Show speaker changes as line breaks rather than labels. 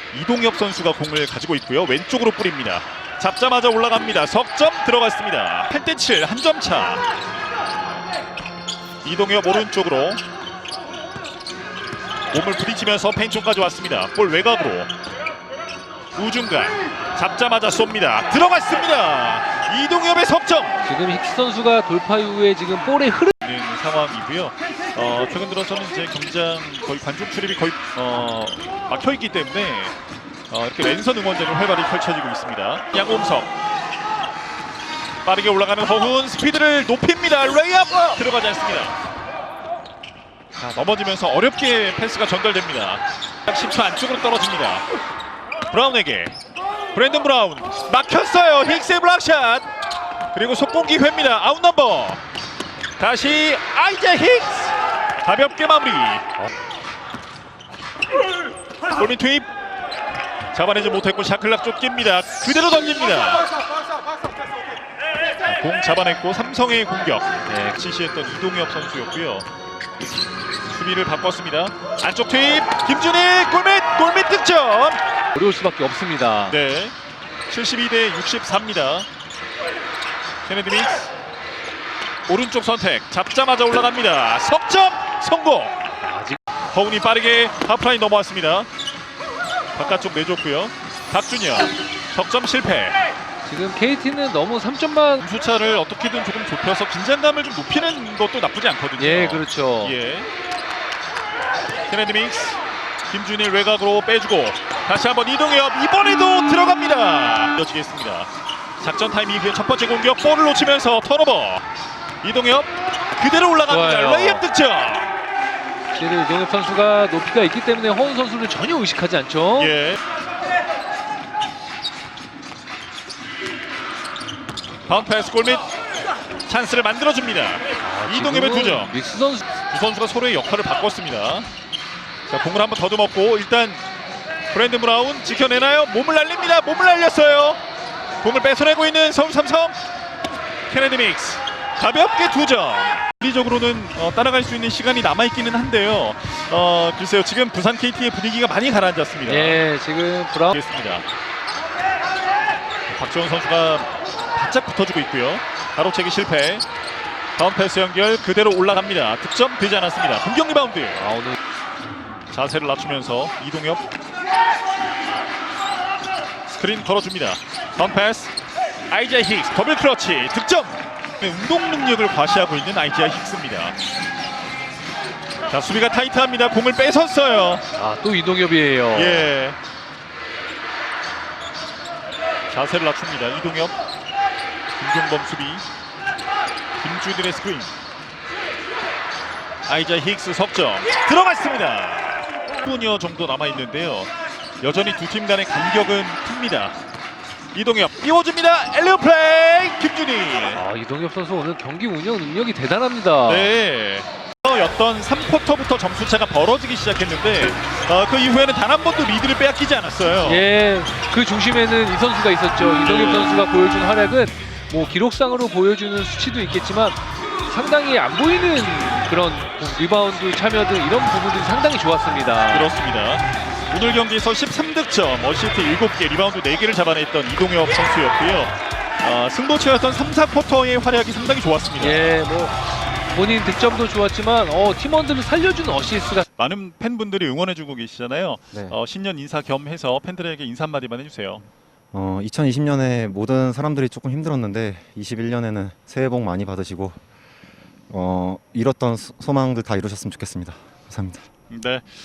이동엽 선수가 공을 가지고 있고요. 왼쪽으로 뿌립니다. 잡자마자 올라갑니다. 석점 들어갔습니다. 8대7 한 점 차. 이동엽 오른쪽으로 몸을 부딪히면서 페인트까지 왔습니다. 볼 외곽으로 우중간 잡자마자 쏩니다. 들어갔습니다. 이동엽의 석점.
지금 힉스 선수가 돌파 이후에 지금 볼의 흐름
있는 상황이고요. 최근 들어서는 이제 경기장 거의 관중 출입이 거의 막혀 있기 때문에 이렇게 랜선 응원전이 활발히 펼쳐지고 있습니다. 양홍석 빠르게 올라가는 허훈 스피드를 높입니다. 레이업 들어가지 않습니다. 자, 넘어지면서 어렵게 패스가 전달됩니다. 10초 안쪽으로 떨어집니다. 브라운에게 브랜든 브라운 막혔어요. 힉스의 블락샷 그리고 속공 기회입니다. 아웃 넘버 다시 아이자 힉스 가볍게 마무리. 골밑 투입 잡아내지 못했고 샤클락 쫓깁니다. 그대로 던집니다. 공 잡아냈고 삼성의 공격 지시했던 이동엽 선수였고요. 수비를 바꿨습니다. 안쪽 투입 김준일 골밑 득점.
어려울 수밖에 없습니다.
네, 72대 64입니다. 케네디 믹스 오른쪽 선택 잡자마자 올라갑니다. 석점 성공. 허훈이 빠르게 하프라인 넘어왔습니다. 바깥쪽 내줬고요. 박준혁 석점 실패.
지금 KT는 너무 3점만
점수차를 어떻게든 조금 좁혀서 긴장감을 좀 높이는 것도 나쁘지 않거든요.
예, 그렇죠.
예. 케네디 믹스 김준일 외곽으로 빼주고 다시 한번 이동엽 이번에도 들어갑니다. 이어지겠습니다. 작전 타임 이후에 첫 번째 공격 볼을 놓치면서 턴오버. 이동엽 그대로 올라갑니다.
좋아요.
레이업 득점.
실은 이동엽 선수가 높이가 있기 때문에 허훈 선수를 전혀 의식하지 않죠.
예. 바운드 패스 골밑 찬스를 만들어줍니다. 이동엽의
지금은
2점.
믹스 선수
두 선수가 서로의 역할을 바꿨습니다. 자, 공을 한번 더듬었고 일단 브랜든 브라운 지켜내나요? 몸을 날립니다. 몸을 날렸어요. 공을 뺏어내고 있는 서울 삼성. 케네디 믹스 가볍게 2점. 물리적으로는 따라갈 수 있는 시간이 남아있기는 한데요. 글쎄요, 지금 부산 KT의 분위기가 많이 가라앉았습니다.
예, 지금 브라운
겠습니다. 박지원 선수가 바짝 붙어주고 있고요. 가로채기 실패. 다운 패스 연결 그대로 올라갑니다. 득점 되지 않았습니다. 공격 리바운드.
오늘
자세를 낮추면서 이동엽 스크린 걸어줍니다. 다운 패스 아이자 힉스 더블 클러치 득점. 운동 능력을 과시하고 있는 아이자 힉스입니다. 자, 수비가 타이트합니다. 공을 뺏었어요.
또 이동엽이에요.
예. 자세를 낮춥니다. 이동엽 김종범 수비 김준일의 스크린 아이자 힉스 석점 들어갔습니다. 10분여 정도 남아있는데요. 여전히 두 팀 간의 간격은 큽니다. 이동엽 띄워줍니다. 엘리오 플레이 김준일.
이동엽 선수 오늘 경기 운영 능력이 대단합니다.
네. 였던 3쿼터부터 점수차가 벌어지기 시작했는데 그 이후에는 단 한 번도 리드를 빼앗기지 않았어요.
예, 그 중심에는 이 선수가 있었죠. 이동엽 선수가 보여준 활약은 뭐 기록상으로 보여주는 수치도 있겠지만 상당히 안 보이는 그런 리바운드 참여 등 이런 부분들이 상당히 좋았습니다.
그렇습니다. 오늘 경기에서 13득점, 어시스트 7개, 리바운드 4개를 잡아냈던 이동엽 선수였고요. 승부처였던 3, 4쿼터의 활약이 상당히 좋았습니다.
예, 뭐 본인 득점도 좋았지만 팀원들을 살려주는 어시스트가
많은 팬분들이 응원해주고 계시잖아요.
네.
신년 인사 겸해서 팬들에게 인사 한마디만 해주세요.
2020년에 모든 사람들이 조금 힘들었는데 21년에는 새해 복 많이 받으시고 이뤘던 소망들 다 이루셨으면 좋겠습니다. 감사합니다.
네.